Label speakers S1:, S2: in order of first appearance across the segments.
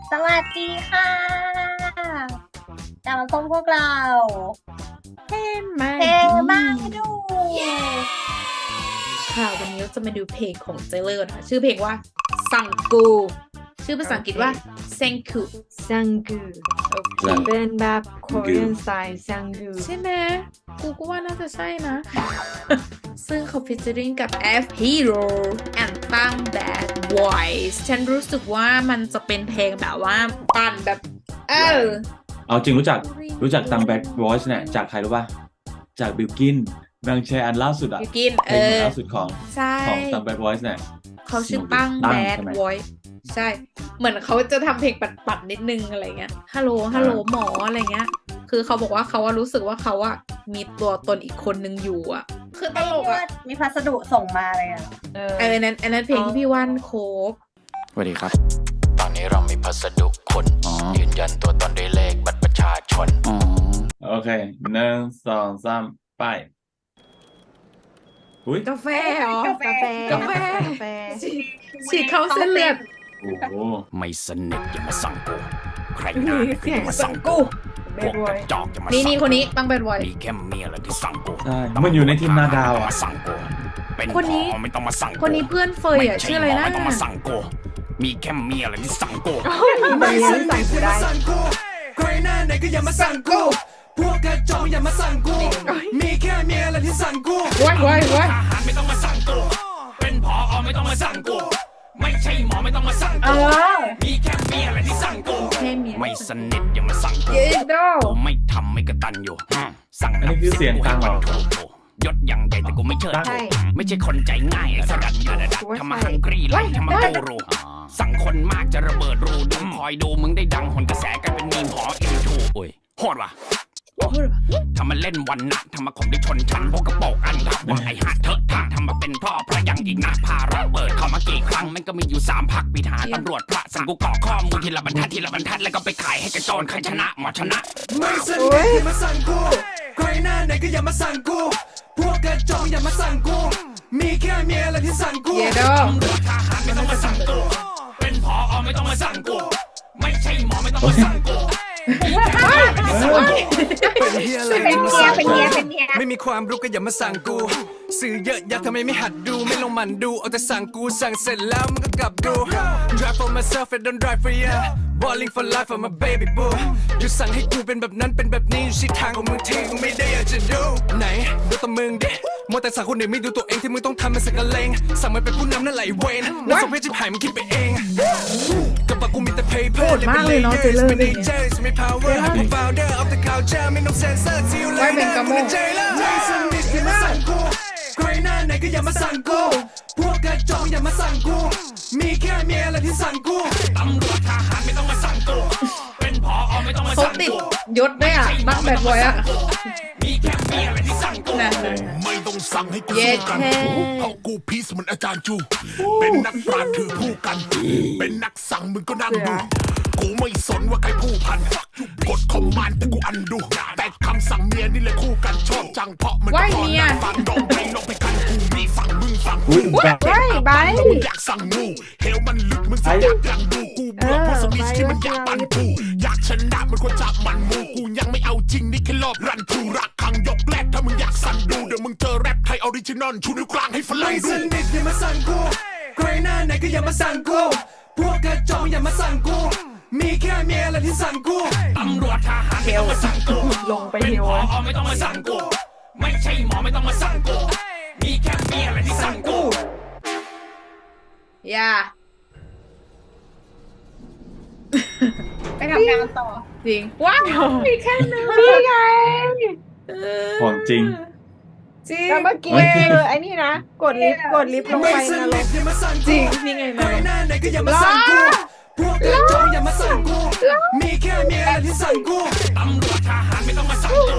S1: สวัสดีค่ะกลับมาพบพวกเรา
S2: เท่มาก
S1: เพลงบ้านดู
S2: ค่ะวันนี้เราจะมาดูเพลงของเจเลอร์นะคะชื่อเพลงว่าซังกู ชื่อภาษาอังกฤษว่า Sanku
S3: ซังกู
S2: โอเค
S3: เป็นแบบ Korean style ซังกู
S2: ใช่ไหมกูก็ว่าน่าจะใช่นะ ซึ่งเขาฟิชเจอริงกับ F Hero and ตั้ง Bad Voice ฉันรู้สึกว่ามันจะเป็นเพลงแบบว่าปั่นแบบ
S4: เอาจริงรู้จักตังแบ็ควอยซ์เนี่ยจากใครรู้ป่ะจากบิลกินนางแชร์อันล่าสุดอะ
S2: บิลกิน
S4: เพลงล่าสุดของ
S2: ใช่
S4: ตังแบ็ควอยซ์เนี่ย
S2: เขาชื่อตั้ง Bad
S4: ใช่ไหม
S2: Voice ใช่ เหมือนเขาจะทำเพลงปัดๆนิดนึงอะไรเงี้ยฮัลโหลหมออะไรเงี้ยคือเขาบอกว่าเขารู้สึกว่าเขามีตัวตนอีกคนนึงอยู่คือตลก
S1: มีพัสดุส่งมาเลยอ่ะ
S2: อันนั้นเพลงที่พี่ว่านโคบ
S5: สวัสดีครับ ตอนนี้เรามีพัสดุคนยืนยันตัวตนด้วยเลขบัตรประชาชน
S4: โอเค1 2 3ไปอุ้ย
S2: กาแฟเหรอก
S3: าแฟ
S2: ฉีดเข้าเส้นเลือด
S4: โอ้โห
S5: ไม่สนิทอย่ามาสั่งกูใครหน้าเนี่ยก็อย่ามาสั่งกูพวกกระจอกอย่ามาสั่ง
S2: นี่คนนี้ตั้งเป็นไว้
S5: มีแค่เมียแหละที่สั่งกู
S4: ใช่มันอยู่ในทีมนาดาว
S5: ไม่ต้อง
S4: อะ
S5: มาสั่งกูเป็น
S2: คนนี้
S5: หมอไม่ต้องมาสั่งกู
S2: คนนี้เพื่อนเฟยชื่ออะไรนะ
S5: ไม่ต้องมาสั่งกูมีแค่เมียแหละที่สั่งกู
S3: ไม่สนิทอย่ามาสั่งกู
S6: ใครหน้าไหนก็อย่ามาสั่งกู พวกกระจอกอย่ามาสั่งกู มีแค่เมียแหละที่สั่งกู
S2: ไว้
S5: ทหารไม่ต้องมาสั่งกูเป็นผอไม่ต้องมาสั่งกูไม่ใช่หมอไม่ต้องมาสั่งกูมีแค่เมียแหละที่สั่งกู
S2: แค่เมีย
S5: ไม่สนิทอย่ามาสั่งกู
S2: เย็ดโด
S5: กูไม่ทำไม่กระตันอยู่สั่ง
S4: อันนี้คือเสียงกลางเหรอ
S5: ยศยังใหญ่แต่กูไม่เชิด
S3: ใช่
S5: ไม่ใช่คนใจง่ายไอ้สดัดยาดัดทำมาฮังกรีไล่ทำมากูรูสั่งคนมากจะระเบิดรูดูคอยดูมึงได้ดังหนกระแสกลายเป็นมีมหออินทูโอ้ยโหดว่ะทำมาเล่นวันนะทำมาข่มได้ชนชั้นพวกกระโปงอันครับว่าไอ้หัดเถอะท่าทำมาเป็นพ่อพระยังอีกนะพาระเบิดเข้ามากี่ครั้งมันก็มีอยู่3 พักปีหาตำรวจพระสั่งกูก่อข้อมูลทีละบรรทัดแล้วก็ไปขายให้กระโจนใครชนะหมอชนะ
S6: ไม่สนิทอย่ามาสั่งกู ใครหน้าไหนก็อย่ามาสั่งกู พวกกระจอกอย่ามาสั่งกู มีแค่เมียแหละที่สั่งกู
S2: เย็ดโด
S5: ตำรวจทหารไม่ต้องมาสั่งกูเป็นผอไม่ต้องมาสั่งกูไม่ใช่หมอไม่ต้องมาสั่งกู
S6: เป็นเฮียอะไร
S1: เป็นเมียเป็นเมียเป็นเมีย
S6: ไม่มีความรู้ก็อย่ามาสั่งกู สื่อเยอะแยะทำไมไม่หัดดูไม่ลงมันดูเอาแต่สั่งกูสั่งเสร็จแล้วมันก็กลับดู Drive for myself and don't drive for ya Balling for life I'm a baby boo อยู่สั่งให้กูเป็นแบบนั้นเป็นแบบนี้อยู่ชิดทางของมึงที่กูไม่ได้อยากจะดูไหนดูตัวมึงดิมัวแต่สั่งคนอื่นไม่ดูตัวเองที่มึงต้องทำมันสักกะเลงสั่งมันเป็นผู้นำนั่นไหลเวนนั่นสมเพชจิบหายมึงคิดไปเองกับปากกูมีแต่ paper
S2: โหดมากเลยเนาะเจเลอร์เนี่ย
S6: ไม่ power I'm founder of the culture ไม่ต้องเซ็นเซอร์ซิลเลย
S2: ไว้เป็นกระโมง
S6: ไม่สนิทอย่ามาสั่งกู ใครหน้าไหนก็อย่ามาสั่งกู พวกกระจอกอย่ามาสั่งกู มีแค่เมียแหละที่สั่งกู
S5: ตำรวจทหารไม่ต้องมาสั่งกูเป็นผอไม่ต้องมา
S2: เขา
S5: สั่ง
S2: ติด
S5: กู
S2: ยศด้วยตั้งแบดไว้
S5: มีแค่เมียแหละที่สั่งกู
S2: นะ
S7: ไม่ต้องสั่งให้กู
S2: เย็
S7: สู้
S2: ด
S7: กัน
S2: แค่
S7: เพราะกูพีซเหมือนอาจารย์จู เป็นนักปราชญ์ถือผู้กัน เป็นนักสั่งมึงก็นั่งดู กูไม่สนว่าใครผู้พัน กดคอมมานด์แต่กูอันดู แต่คำสั่งเมียนี่เลยคู่กันชอบจังเพราะมัน
S2: ไหว้
S7: ก็
S2: เมีย
S7: นั่งฟังดองไปลงไปกันกูมีฝั่งมึงฝั่ง
S4: อุ้ยแบบ
S3: ใช่ใบ
S7: แล้วมึงอยากสั่งงูเฮลมันลึกมึงสิอยากดังดูกูเบื่อพวกสมิธที่มันอยากปั่นกูอยากชนะมันควรจับมันมูกูยังไม่เอาจริงนี่แค่รอบรันทูรักคังยกแรกถ้ามึงอยากสั่นดูเดี๋ยวมึงเจอแรปไทยออริจินอลชูนิ้วกลางให้ฝรั่
S6: ไม่
S7: ง
S6: ส
S7: ดู
S6: นิทอย่ามาสั่งกู ใครหน้าไหนก็อย่ามาสั่งกู พวกกระจอกอย่ามาสั่งกู มีแค่เมียแหละที่สั่งกู
S5: ตำรวจทหารไม่ต้องมาสั่งกู
S3: ลงไป
S5: เป็น
S3: เฮ
S5: ผ
S3: ว
S5: อไม่ต้องมาสั่งกูไม่ใช่หมอไม่ต้องมาสั่งกูมีแค่เมียแหละที่สั่งกู
S2: อย่า
S1: ไปทำงานต่อ
S2: จริงว้าวมีแค่นึง
S3: นี่ไง
S4: ของจริง
S2: จริง
S3: แล้วเมื่อกี้คือไอ้นี่นะ กดลิฟต์ลง
S6: ไม่
S3: ไป
S6: ส
S3: นร
S6: นิ
S3: ก
S6: ทอย่ามาสั่ง
S2: จ
S6: กู
S2: ริงนี่ไง
S6: ใคร
S2: นะ
S6: หน้าไหนก็อย่ามาสั่งกู พวกกระจอกอย่ามาสั่งกู มีแค่เมียแหละที่สั่งกู
S5: ตำรวจทหารไม่ต้องมาสั่งกู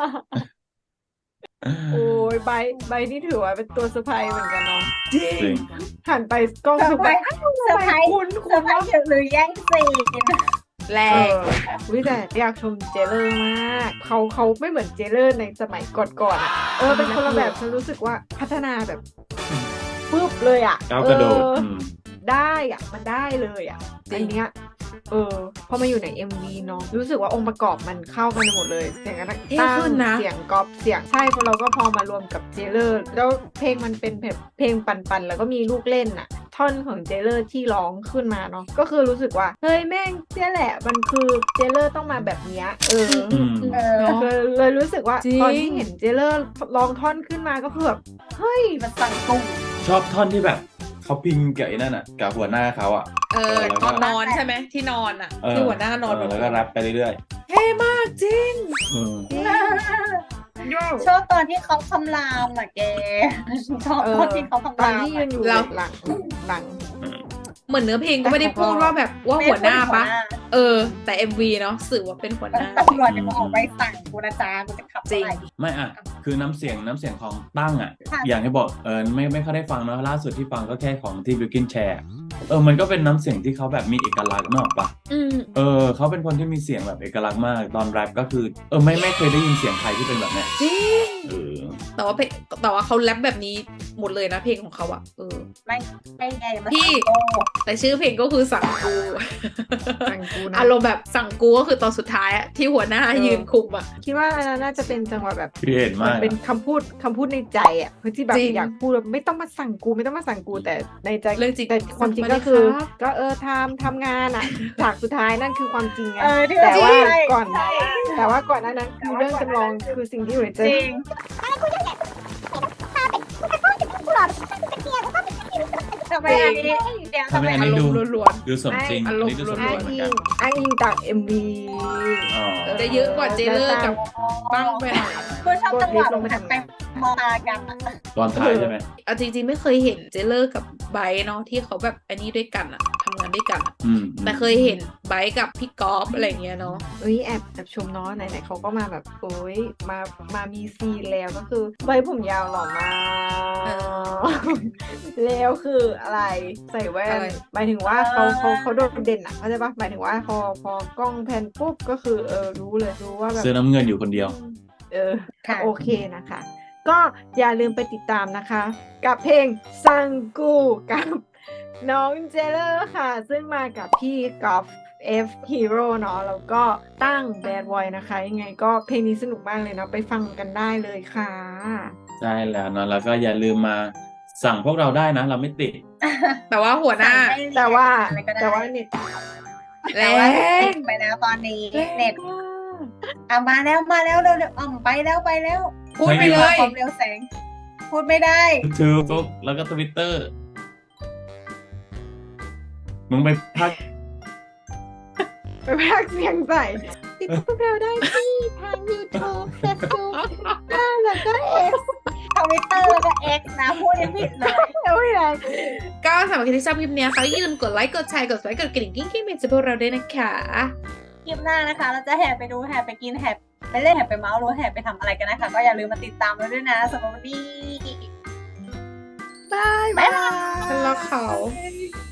S3: โอ้ยใบนี่ถือว่าเป็นตัวเซอร์ไพรส์เหมือนกันเนาะ
S4: จริง
S3: หันไปกล้อง
S1: เซอ
S3: สุ
S1: ร์
S3: ด
S1: ไพร
S3: แบบ
S1: ส์เซอร์ไพรส์
S3: คุณ
S1: เซอร์ไพรส์หรือแย่งซีน
S2: แร
S3: เอก วิแต่อยากชมเจเลอร์มากเขาไม่เหมือนเจเลอร์ในสมัยก่อนๆอ่ะเป็นคนละแบบฉันรู้สึกว่าพัฒนาแบบปึ๊บเลยอ่ะ
S4: ก้าวกระโดด
S3: ได้อ่ะมันได้เลยอ่ะอันเนี้ยพอมาอยู่ใน MV เนาะรู้สึกว่าองค์ประกอบมันเข้ากันหมดเลยเสียงนัก
S2: เท่
S3: ตั้
S2: ขึ้นนะ
S3: เสียงก๊อปเสียงใช่พอเราก็พอมารวมกับเจเลอร์แล้วเพลงมันเป็นแบบเพลงปันๆแล้วก็มีลูกเล่นอะท่อนของเจเลอร์ที่ร้องขึ้นมาเนาะก็คือรู้สึกว่าเฮ้ยแม่งเนี่ยแหละมันคือเจเลอร์ต้องมาแบบเนี้ย
S4: อืม
S2: เนาะ
S3: เลยรู้สึกว่า
S2: จริง
S3: ตอนที่เห็นเจเลอร์ร้องท่อนขึ้นมาก็คือแบบเฮ้ย
S1: มันสั่งกุ้ง
S4: ชอบท่อนที่แบบเขาพิงกับไอ้นั่นอ่ะกับหัวหน้าเขาอ่ะ
S2: ตอนนอนใช่ไหมที่นอนอ่ะ
S4: เออ
S2: ที่หัวหน้านอน
S4: แล้วก็แรปไปเรื่อย
S2: เท่มากจริง
S4: ๆ
S1: ชอบตอนที่เขาคำรามอ่ะแกชอบตอนที่เขาคำ
S3: ตอ
S1: ราน ม
S3: ที่ยืนอยู่
S2: เรา
S3: หลัง
S2: เหมือนเนื้อเพลงก็ไม่ได้พูดว่าแบบว่าหัวหน้าปะแต่ MV เนาะสื่อว่าเป็นหัวหน้า
S1: ตำรวจจะมาออกไปสั่งกูนะจ๊ะกูจะขับ
S2: จริง
S1: ไป
S4: ไม่อ่ะคือน้ำเสียงของตั้งอ่ะ
S1: ค่ะ
S4: อย่างที่บอกไม่ค่อยได้ฟังเนอะล่าสุดที่ฟังก็แค่ของที่บิวกินแชร์มันก็เป็นน้ำเสียงที่เขาแบบมีเอกลักษณ์เนกอะปะ
S2: อืม
S4: เขาเป็นคนที่มีเสียงแบบเอกลักษณ์มากตอนแรปก็คือไม่เคยได้ยินเสียงใครที่เป็นแบบเนี้ย
S2: จริง
S4: เออ
S2: แต่ว่าเขาแรปแบบนี้หมดเลยนะเพลงของเขาอะ
S1: ไม่ไงมัน
S2: พี่
S1: โต
S2: แต่ชื่อเพลงก็คือสั่งกู
S3: สั่งกูนะ
S2: อารมณ์แบบสั่งกูก็คือตอนสุดท้ายอะที่หัวหน้ายืนคุมอะ
S3: คิดว่าอันนั้นน่าจะเป็นจังหวะแบบ
S4: พี่เห็นมาก
S3: เป็นคำพูดในใจอ่ะเพื่อที่แบบ
S2: จริง
S3: อยากพูดแบบไม่ต้องมาสั่งกูไม่ต้องมาสั่งกูแต่ในใจ
S2: เรื่องจริง
S3: แต่ความจริงก็คือ ก็ทำงานอ่ะฉากสุดท้ายนั่นคือความจริงไง
S1: ที่
S3: แต่ว่า
S1: ใช่
S3: ก่อน
S1: ใช่
S3: แต่ว่าก่อนหนั้นคือเรื่องจำลองคือสิ่งที่อยู่ในใจ
S1: จริงทำไมอันนี้เดี๋ยว
S4: ทำไมอัน
S2: อา
S4: นี้
S2: ร
S4: ดู
S2: มณ์ล้วน
S4: ดูสมจริง
S2: อา
S4: อัน
S2: รมณ์
S4: นี้ดูสมจ
S3: อ้า
S4: ริ
S3: ง
S4: งเหมือน
S3: อิ
S4: กั
S3: ง
S4: น
S3: อ้างอิงจาก MV
S4: อ๋อ
S2: ๆจะเยอะกว่าเจเลอร์กับปั้งไปหน่อย
S1: กูชอบจังหวะมันไปมากันอะ
S4: ตอนท้ายใช่ไหม
S2: เอาจริงๆไม่เคยเห็นเจเลอร์กับไบร์ทเนาะที่เขาแบบอันนี้ด้วยกันอะทำงานด้วยกันอะ
S4: อืม
S2: แต่เคยเห็นไบร์ทกับพี่กอล์ฟอะไรเงี้ยเนาะ
S3: เอ้ยแอบชมเนาะไหนๆเขาก็มาแบบโอ้ยมามีซีนแล้วก็คือใบผมยาวหล่อมากแล้วคืออะไรใส่แว่นหมายถึงว่าเขาโดดเด่นอ่ะเข้าใจปะหมายถึงว่าพอกล้องแพนปุ๊บก็คือรู้ว่าแบบ
S4: เสื้อน้ำเงินอยู่คนเดียว
S1: ค่ะ
S3: โอเคนะคะ ก็อย่าลืมไปติดตามนะคะ กับเพลงซังกูกับน้องเจเลอร์ค่ะ ซึ่งมากับพี่กอล์ฟF Hero เนาะแล้วก็ตั้ง Bad Boy นะคะ ยังไงก็เพลงนี้สนุกมากเลยเนาะไปฟังกันได้เลยค่ะ
S4: ใช่แล้วเนอะแล้วก็อย่าลืมมาสั่งพวกเราได้นะ เราไม่ติด
S2: แต่ว่าหัวหน้า
S3: แต่ว่า
S1: อะไรก็ได้
S3: แต่ว่าเน็ต
S2: แร
S1: แต่ว่าง ติดไปแล้วตอนนี้เน็ตมาแล้วเร็วไปแล้ว
S2: พูดไปเลย
S1: ความเร็วแสง พูดไม่ได้
S4: Facebook แล้วก็ Twitter มึงไปพัก
S3: ไปพากย์เสียงใส่ติดพวกเราได้ที่ทาง YouTube Facebook แล้วก็ X
S1: ทวิตเตอร์แล้วก็ X นะ พูดยังผิดเลย
S3: แล้วไม่ไร
S2: ก็สำหรับใครที่ชอบคลิปเนี้ยค่ะอย่าลืมกดไลค์กดแชร์กด subscribe กดกระดิ่งกิ้งๆเป็นจะพวกเราด้วยนะคะ
S1: คลิปหน้านะคะ เราจะแห่ไปดูแห่ไปกินแห่ไปเล่นแห่ไปเมาส์หรือแห่ไปทำอะไรกันนะคะ ก็อย่าลืมมาติดตามเราด้วยนะสำหรับวันนี้
S3: บาย
S2: ฉันรักเขา